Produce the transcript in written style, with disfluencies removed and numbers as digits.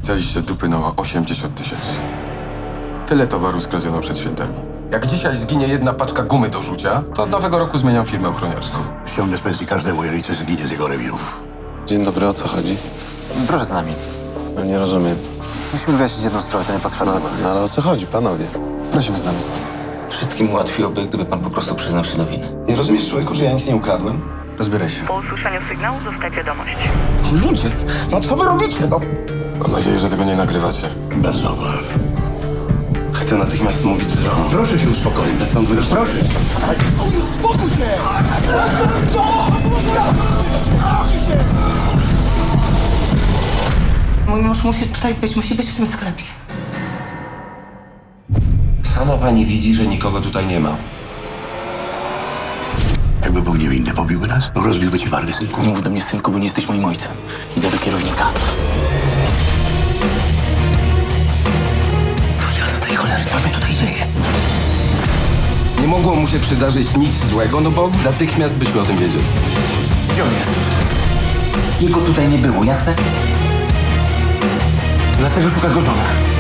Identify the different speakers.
Speaker 1: Daliście dupy na 80 000. Tyle towaru skradziono przed świętami. Jak dzisiaj zginie jedna paczka gumy do rzucia, to od nowego roku zmieniam firmę ochroniarską.
Speaker 2: Ściągnę z pensji każdemu, jeżeli coś zginie z jego rewiru.
Speaker 3: Dzień dobry, o co chodzi?
Speaker 4: Proszę z nami.
Speaker 3: No nie rozumiem.
Speaker 4: Musimy wyjaśnić jedną sprawę, to nie potrwa długo.
Speaker 3: No ale o co chodzi, panowie?
Speaker 4: Prosimy z nami.
Speaker 5: Wszystkim ułatwiłoby, gdyby pan po prostu przyznał się do winy.
Speaker 3: Nie rozumiesz, człowieku, że ja nic nie ukradłem?
Speaker 4: Rozbieraj się.
Speaker 6: Po usłyszeniu sygnału zostać wiadomość.
Speaker 4: Ludzie, no co wy robicie? No.
Speaker 1: Mam nadzieję, że tego nie nagrywacie.
Speaker 2: Bez obaw.
Speaker 3: Chcę natychmiast mówić z żoną.
Speaker 2: Proszę się uspokoić.
Speaker 3: Stąd wyjść.
Speaker 2: Proszę. Uspokój się!
Speaker 7: Mój mąż musi tutaj być, musi być w tym sklepie.
Speaker 5: Sama pani widzi, że nikogo tutaj nie ma.
Speaker 2: Jakby był niewinny, pobiłby nas? Rozbiłby ci wargę, synku.
Speaker 4: Nie mów do mnie, synku, bo nie jesteś moim ojcem. Idę do kierownika. Do jasnej cholery, co się tutaj dzieje?
Speaker 1: Nie mogło mu się przydarzyć nic złego, no bo natychmiast byśmy o tym wiedzieli.
Speaker 4: Gdzie on jest? Jego tutaj nie było, jasne? Dlaczego szuka go żona?